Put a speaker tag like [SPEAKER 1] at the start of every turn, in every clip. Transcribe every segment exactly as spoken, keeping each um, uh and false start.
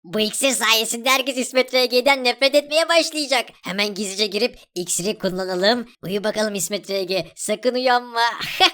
[SPEAKER 1] Bu iksir sayesinde herkes İsmet R G'den nefret etmeye başlayacak. Hemen gizlice girip iksiri kullanalım. Uyu bakalım İsmet R G. Sakın uyanma.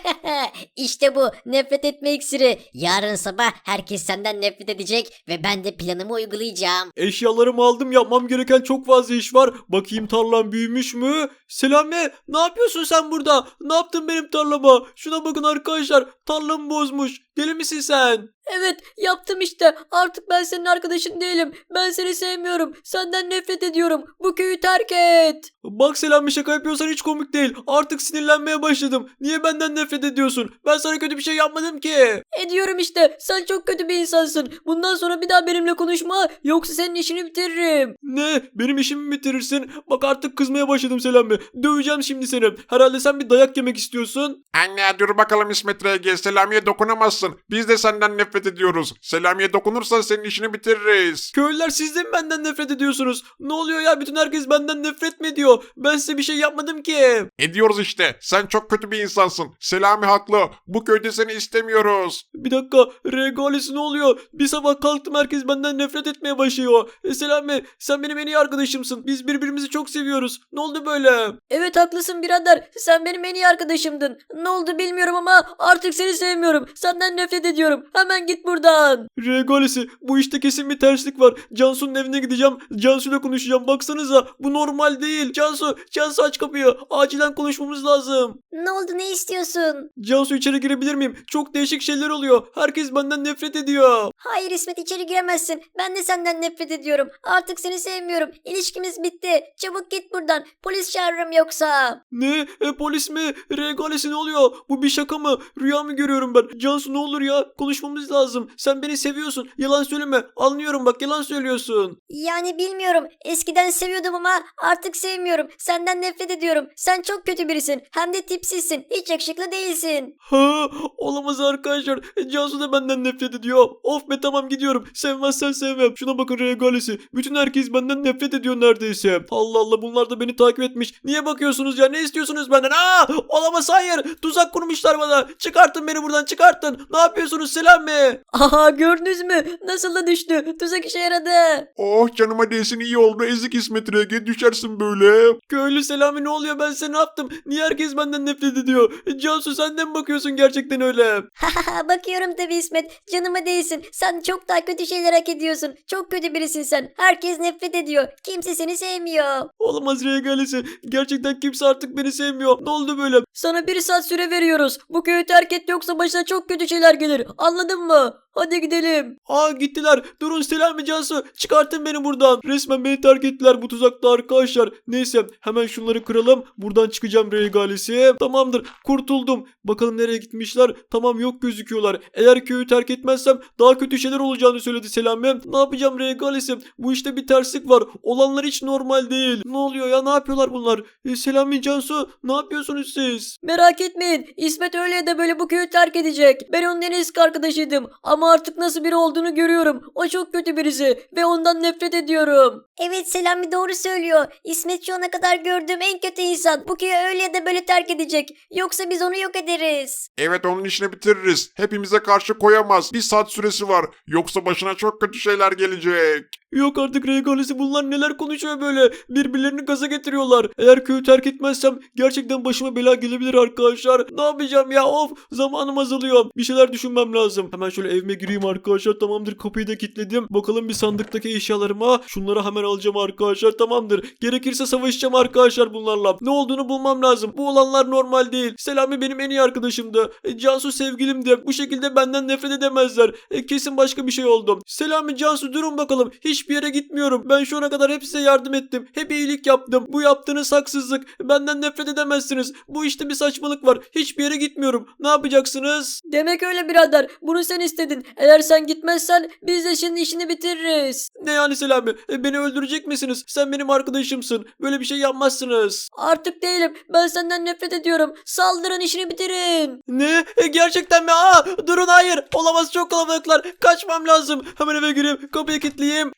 [SPEAKER 1] İşte bu nefret etme iksiri. Yarın sabah herkes senden nefret edecek ve ben de planımı uygulayacağım.
[SPEAKER 2] Eşyalarımı aldım, yapmam gereken çok fazla iş var. Bakayım tarlam büyümüş mü? Selami, ne yapıyorsun sen burada? Ne yaptın benim tarlama? Şuna bakın arkadaşlar, tarlamı bozmuş. Deli misin sen?
[SPEAKER 3] Evet, yaptım işte. Artık ben senin arkadaşın değilim. Ben seni sevmiyorum. Senden nefret ediyorum. Bu köyü terk et.
[SPEAKER 2] Bak Selami, şaka yapıyorsan hiç komik değil. Artık sinirlenmeye başladım. Niye benden nefret ediyorsun? Ben sana kötü bir şey yapmadım ki.
[SPEAKER 3] Ediyorum işte. Sen çok kötü bir insansın. Bundan sonra bir daha benimle konuşma. Yoksa senin işini bitiririm.
[SPEAKER 2] Ne? Benim işimi bitirirsin? Bak artık kızmaya başladım Selami. Döveceğim şimdi seni. Herhalde sen bir dayak yemek istiyorsun.
[SPEAKER 4] Anne dur bakalım İsmet R G, Selami'ye dokunamazsın. Biz de senden nefret ediyoruz. Selami'ye dokunursan senin işini bitiririz.
[SPEAKER 2] Köylüler, siz de mi benden nefret ediyorsunuz? Ne oluyor ya? Bütün herkes benden nefret mi ediyor? Ben size bir şey yapmadım ki.
[SPEAKER 4] Ediyoruz işte. Sen çok kötü bir insansın. Selami haklı. Bu köyde seni istemiyoruz.
[SPEAKER 2] Bir dakika, regalesi ne oluyor? Bir sabah kalktım, herkes benden nefret etmeye başlıyor. E, Selami, sen benim en iyi arkadaşımsın. Biz birbirimizi çok seviyoruz. Ne oldu böyle?
[SPEAKER 3] Evet, haklısın birader. Sen benim en iyi arkadaşımdın. Ne oldu bilmiyorum ama artık seni sevmiyorum. Senden nefret ediyorum. Hemen git buradan.
[SPEAKER 2] Regalesi, bu işte kesin bir terslik var. Cansu'nun evine gideceğim. Cansu'yla konuşacağım. Baksanıza, bu normal değil. Cansu, Cansu aç kapıyı. Acilen konuşmamız lazım.
[SPEAKER 1] Ne oldu, ne istiyorsun?
[SPEAKER 2] Cansu, içeri girebilir miyim? Çok değişik şeyler oluyor. Herkes benden nefret ediyor.
[SPEAKER 1] Hayır İsmet, içeri giremezsin. Ben de senden nefret ediyorum. Artık seni sevmiyorum. İlişkimiz bitti. Çabuk git buradan. Polis çağırırım yoksa.
[SPEAKER 2] Ne? E, polis mi? Regalesi ne oluyor? Bu bir şaka mı? Rüya mı görüyorum ben? Cansu, ne olur ya? Konuşmamız lazım. Sen beni seviyorsun. Yalan söyleme. Anlıyorum bak, yalan söylüyorsun.
[SPEAKER 1] Yani bilmiyorum. Eskiden seviyordum ama artık sevmiyorum. Senden nefret ediyorum. Sen çok kötü birisin. Hem de tipsizsin. Hiç yakışıklı değilsin.
[SPEAKER 2] Ha, olamaz arkadaşlar. E, Cansu da benden nefret ediyor. Of be, tamam gidiyorum. Sevmezsen sevmem. Şuna bakın regalesi. Bütün herkes benden nefret ediyor neredeyse. Allah Allah, bunlar da beni takip etmiş. Niye bakıyorsunuz ya? Ne istiyorsunuz benden? Aa, olamaz, hayır. Tuzak kurmuşlar bana. Çıkartın beni buradan, çıkartın. Ne yapıyorsunuz Selami?
[SPEAKER 3] Aha, gördünüz mü? Nasıl da düştü. Tuzak işe yaradı.
[SPEAKER 4] Oh canıma değsin, iyi oldu. Ezik İsmet R G, düşersin böyle.
[SPEAKER 2] Köylü Selami, ne oluyor? Ben size ne yaptım? Niye herkes benden nefret ediyor? E, Cansu, sen de mi bakıyorsun gerçekten öyle?
[SPEAKER 1] Bakıyorum tabii İsmet. Canıma değilsin. Sen çok daha kötü şeyler hak ediyorsun. Çok kötü birisin sen. Herkes nefret ediyor. Kimse seni sevmiyor.
[SPEAKER 2] Olamaz regalesi. Gerçekten kimse artık beni sevmiyor. Ne oldu böyle?
[SPEAKER 3] Sana bir saat süre veriyoruz. Bu köyü terk et yoksa başına çok kötü şeyler gelir. Anladın mı? Hadi gidelim.
[SPEAKER 2] Aa, gittiler. Durun Selami, Cansu. Çıkartın beni buradan. Resmen beni terk ettiler bu tuzakta arkadaşlar. Neyse, hemen şunları kıralım. Buradan çıkacağım regalesi. Tamamdır. Kurtuldum. Bakalım nereye gitmişler. Tamam, yok gözüküyorlar. Eğer köyü terk etmezsem daha kötü şeyler olacağını söyledi Selami. Ne yapacağım regalesi? Bu işte bir terslik var. Olanlar hiç normal değil. Ne oluyor ya? Ne yapıyorlar bunlar? E, Selami, Cansu, ne yapıyorsunuz siz?
[SPEAKER 3] Merak etmeyin. İsmet öyle ya da böyle bu köyü terk edecek. Ben onun en eski arkadaşıydım. Ama artık nasıl biri olduğunu görüyorum. O çok kötü birisi ve ondan nefret ediyorum.
[SPEAKER 1] Evet, Selami doğru söylüyor. İsmet şu ana kadar gördüğüm en kötü insan. Bu köyü öyle ya da böyle terk edecek. Yoksa biz onu yok ederiz.
[SPEAKER 4] Evet, onun işini bitiririz. Hepimize karşı koyamaz. Bir saat süresi var. Yoksa başına çok kötü şeyler gelecek.
[SPEAKER 2] Yok artık regalesi, bunlar neler konuşuyor böyle? Birbirlerini gaza getiriyorlar. Eğer köyü terk etmezsem gerçekten başıma bela gelebilir arkadaşlar. Ne yapacağım ya? Of, zamanım azalıyor. Bir şeyler düşünmem lazım. Hemen şöyle evime gireyim arkadaşlar. Tamamdır, kapıyı da kilitledim. Bakalım bir sandıktaki eşyalarıma. Şunları hemen alacağım arkadaşlar. Tamamdır. Gerekirse savaşacağım arkadaşlar bunlarla. Ne olduğunu bulmam lazım. Bu olanlar normal değil. Selami benim en iyi arkadaşımdı. E, Cansu sevgilimdi. Bu şekilde benden nefret edemezler. E, kesin başka bir şey oldu. Selami, Cansu, durun bakalım. Hiçbir yere gitmiyorum. Ben şu ana kadar hep size yardım ettim. Hep iyilik yaptım. Bu yaptığınız haksızlık. Benden nefret edemezsiniz. Bu işte bir saçmalık var. Hiçbir yere gitmiyorum. Ne yapacaksınız?
[SPEAKER 3] Demek öyle birader. Bunu sen istedin. Eğer sen gitmezsen biz de şimdi işini bitiririz.
[SPEAKER 2] Ne yani Selami? E, beni öldürecek misiniz? Sen benim arkadaşımsın. Böyle bir şey yapmazsınız.
[SPEAKER 3] Artık değilim. Ben senden nefret ediyorum. Saldırın, işini bitirin.
[SPEAKER 2] Ne? E, gerçekten mi? Aa, durun, hayır. Olamaz, çok kalabalıklar. Kaçmam lazım. Hemen eve gireyim. Kapıyı kilitleyeyim.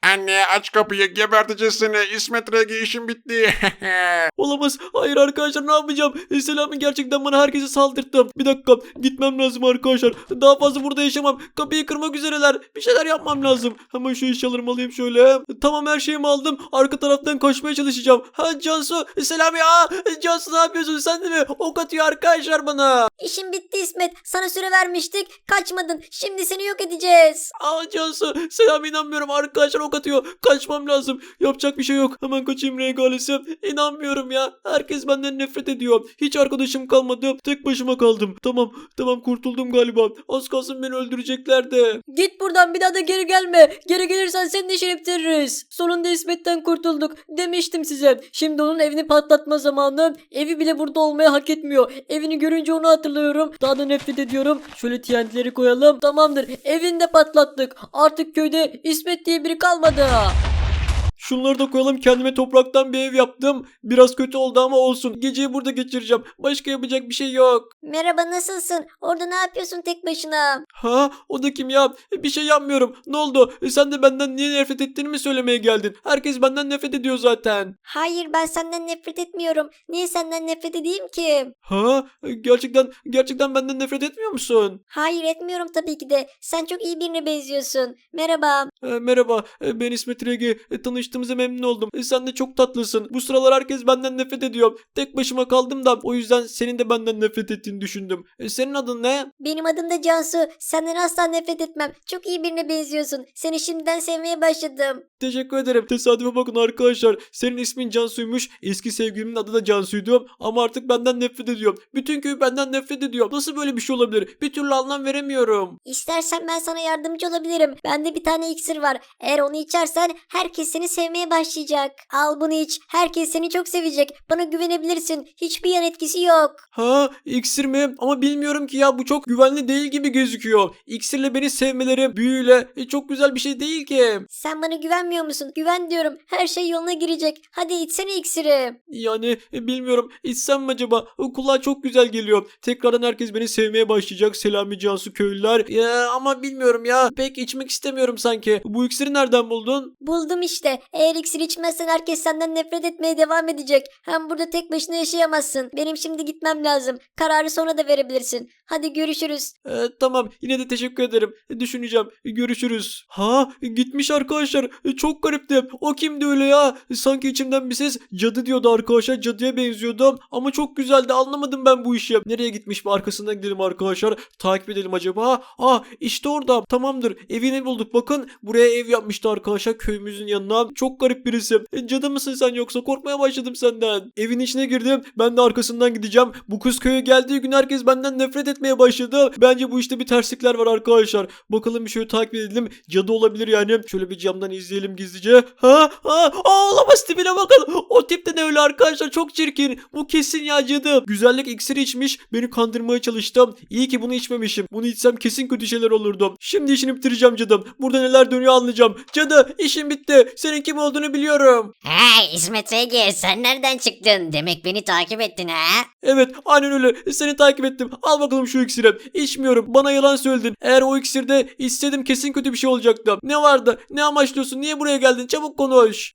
[SPEAKER 4] Anne aç kapıyı, geberteceğiz seni. İsmet R G işim bitti.
[SPEAKER 2] Olamaz. Hayır arkadaşlar, ne yapacağım? E, Selami gerçekten bana herkese saldırttı. Bir dakika, gitmem lazım arkadaşlar. Daha fazla burada yaşamam. Kapıyı kırmak üzereler. Bir şeyler yapmam lazım. Hemen şu eşyalarımı alayım şöyle. Tamam, her şeyimi aldım. Arka taraftan kaçmaya çalışacağım. Ha Cansu, e, Selami, aa Cansu ne yapıyorsun sen de mi? Ok atıyor arkadaşlar bana.
[SPEAKER 1] İşin bitti İsmet. Sana süre vermiştik. Kaçmadın. Şimdi seni yok edeceğiz.
[SPEAKER 2] Aa Cansu, Selami inanmıyorum, arkadaşlar ok atıyor. Kaçmam lazım. Yapacak bir şey yok. Hemen kaçayım regalesi. İnanmıyorum ya. Herkes benden nefret ediyor. Hiç arkadaşım kalmadı. Tek başıma kaldım. Tamam tamam, kurtuldum galiba. Az kalsın beni öldüreceklerdi.
[SPEAKER 3] Git buradan, bir daha da geri gelme. Geri gelirsen seni de işini bitiririz. Sonunda İsmet'ten kurtulduk. Demiştim size. Şimdi onun evini patlatma zamanı. Evi bile burada olmaya hak etmiyor. Evini görünce onu hatırlıyorum. Daha da nefret ediyorum. Şöyle T N T'leri koyalım. Tamamdır. Evini de patlattık. Artık köyde İsmet diye biri kalmadı.
[SPEAKER 2] Şunları da koyalım, kendime topraktan bir ev yaptım. Biraz kötü oldu ama olsun. Geceyi burada geçireceğim. Başka yapacak bir şey yok.
[SPEAKER 1] Merhaba, nasılsın? Orada ne yapıyorsun tek başına?
[SPEAKER 2] Ha, o da kim ya? E, Bir şey yapmıyorum. Ne oldu? E, Sen de benden niye nefret ettiğini mi söylemeye geldin? Herkes benden nefret ediyor zaten.
[SPEAKER 1] Hayır, ben senden nefret etmiyorum. Niye senden nefret edeyim ki?
[SPEAKER 2] Ha? E, Gerçekten gerçekten benden nefret etmiyor musun?
[SPEAKER 1] Hayır, etmiyorum tabii ki de. Sen çok iyi birine benziyorsun. Merhaba.
[SPEAKER 2] E, merhaba, e, ben İsmet Regi. E, tanıştığımıza memnun oldum. E, sen de çok tatlısın. Bu sıralar herkes benden nefret ediyor. Tek başıma kaldım da o yüzden senin de benden nefret ettiğini düşündüm. E, senin adın ne?
[SPEAKER 1] Benim adım da Cansu. Senden asla nefret etmem. Çok iyi birine benziyorsun. Seni şimdiden sevmeye başladım.
[SPEAKER 2] Teşekkür ederim. Tesadüfe bakın arkadaşlar. Senin ismin Cansu'ymuş. Eski sevgilimin adı da Cansu'ydu. Ama artık benden nefret ediyor. Bütün köy benden nefret ediyor. Nasıl böyle bir şey olabilir? Bir türlü anlam veremiyorum.
[SPEAKER 1] İstersen ben sana yardımcı olabilirim. Bende bir tane iksir var. Eğer onu içersen herkes seni sevmeye başlayacak. Al bunu iç. Herkes seni çok sevecek. Bana güvenebilirsin. Hiçbir yan etkisi yok.
[SPEAKER 2] Ha, iksir mi? Ama bilmiyorum ki ya, bu çok güvenli değil gibi gözüküyor. İksirle beni sevmeleri, büyüyle e, çok güzel bir şey değil ki.
[SPEAKER 1] Sen bana güvenmiyor musun? Güven diyorum. Her şey yoluna girecek. Hadi içsene iksiri.
[SPEAKER 2] Yani e, bilmiyorum, içsem mi acaba? O kulağa çok güzel geliyor. Tekrardan herkes beni sevmeye başlayacak. Selami, Cansu, köylüler. Ya, ama bilmiyorum ya. Pek içmek istemiyorum sanki. Bu iksiri nereden buldun?
[SPEAKER 1] Buldum işte. Eğer iksir içmezsen herkes senden nefret etmeye devam edecek. Hem burada tek başına yaşayamazsın. Benim şimdi gitmem lazım. Kararı sonra da verebilirsin. Hadi görüşürüz.
[SPEAKER 2] E, tamam, yine de teşekkür ederim. E, düşüneceğim. E, görüşürüz. Ha, e, gitmiş arkadaşlar. E, çok garipti. O kimdi öyle ya? E, sanki içimden bir ses cadı diyordu arkadaşlar. Cadıya benziyordu. Ama çok güzeldi. Anlamadım ben bu işi. Nereye gitmiş? Bir arkasından gidelim arkadaşlar. Takip edelim acaba. Ah, işte orada. Tamamdır. Evini bulduk. Bakın, buraya ev yapmıştı arkadaşlar köyümüzün yanına. Çok garip birisi. E, cadı mısın sen yoksa? Korkmaya başladım senden. Evin içine girdim. Ben de arkasından gideceğim. Bu kız köye geldiği gün herkes benden nefret etmeye başladı. Bence bu işte bir terslikler var arkadaşlar. Bakalım, bir şöyle takip edelim. Cadı olabilir yani. Şöyle bir camdan izleyelim gizlice. Ha ha. Aa, olamaz, tipine bakın. O tip de ne öyle arkadaşlar, çok çirkin. Bu kesin ya cadı. Güzellik iksiri içmiş. Beni kandırmaya çalıştı. İyi ki bunu içmemişim. Bunu içsem kesin kötü şeyler olurdu. Şimdi işini bitireceğim cadım. Burada neler dönüyor anlayacağım. Cadı, işin bitti. Senin kim olduğunu biliyorum.
[SPEAKER 1] Hey İsmet Ege, sen nereden çıktın? Demek beni takip ettin ha?
[SPEAKER 2] Evet, aynen öyle. Seni takip ettim. Al bakalım şu iksiri. İçmiyorum. Bana yalan söyledin. Eğer o iksirde içseydim kesin kötü bir şey olacaktı. Ne vardı? Ne amaçlıyorsun? Niye buraya geldin? Çabuk konuş.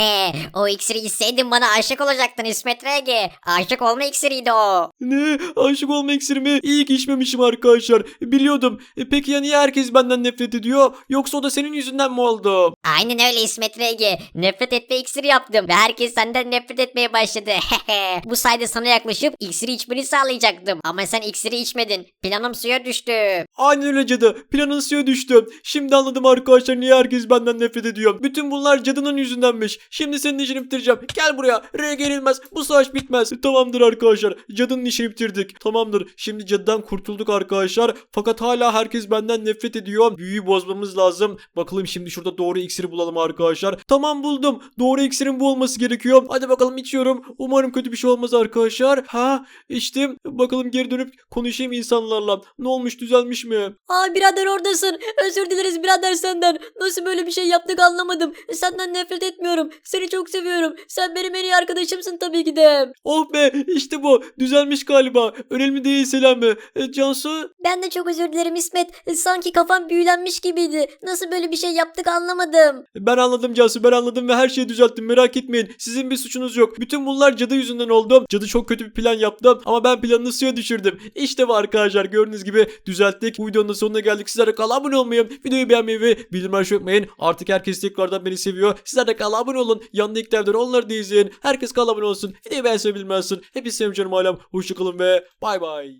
[SPEAKER 1] O iksiri içseydin bana aşık olacaktın İsmet Ege. Aşık olma iksiriydi o.
[SPEAKER 2] Ne? Aşık olma iksiri mi? İyi ki içmemişim arkadaşlar. Biliyordum. E, peki ya niye herkes benden nefret ediyor? Yoksa o da senin yüzünden mi oldu?
[SPEAKER 1] Aynen öyle İsmet Ege. Nefret etme iksiri yaptım ve herkes senden nefret etmeye başladı. Bu sayede sana yaklaşıp iksiri içmeni sağlayacaktım. Ama sen iksiri içmedin. Planım suya düştü.
[SPEAKER 2] Aynen öyle cadı. Planın suya düştü. Şimdi anladım arkadaşlar niye herkes benden nefret ediyor. Bütün bunlar cadının yüzündenmiş. Şimdi senin işini bitireceğim. Gel buraya. R gerilmez. Bu savaş bitmez. Tamamdır arkadaşlar. Cadının işini bitirdik. Tamamdır. Şimdi cadıdan kurtulduk arkadaşlar. Fakat hala herkes benden nefret ediyor. Büyüyü bozmamız lazım. Bakalım şimdi şurada doğru iksiri bulalım arkadaşlar. Tamam, buldum. Doğru iksirin bu olması gerekiyor. Hadi bakalım, içiyorum. Umarım kötü bir şey olmaz arkadaşlar. Ha, içtim. Bakalım, geri dönüp konuşayım konuşayım insanlarla. Ne olmuş, düzelmiş mi?
[SPEAKER 3] Aa birader oradasın. Özür dileriz birader senden. Nasıl böyle bir şey yaptık anlamadım. Senden nefret etmiyorum. Seni çok seviyorum. Sen benim en iyi arkadaşımsın tabii ki de.
[SPEAKER 2] Oh be, işte bu. Düzelmiş galiba. Önemli değil Selami. E, Cansu?
[SPEAKER 1] Ben de çok özür dilerim İsmet. Sanki kafam büyülenmiş gibiydi. Nasıl böyle bir şey yaptık anlamadım.
[SPEAKER 2] Ben anladım Cansu, ben anladım ve her şeyi düzelttim, merak etmeyin. Sizin bir suçunuz yok. Bütün bunlar cadı yüzünden oldu. Cadı çok kötü bir plan yaptı ama ben planını suya düşürdüm. İşte bu arkadaşlar, gördüğünüz gibi düzelttik. Bu videonun da sonuna geldik. Sizler de kanala abone olmayı, videoyu beğenmeyi ve bildirim açmayı unutmayın. Artık herkes tekrardan beni seviyor. Sizler de kanala abone olun. Yanında ilk devleri onları da izleyin. Herkes kanala abone olsun. Videoyu beğense bilmezsin. Hepinizi seviyorum canım alem. Hoşçakalın ve bay bay.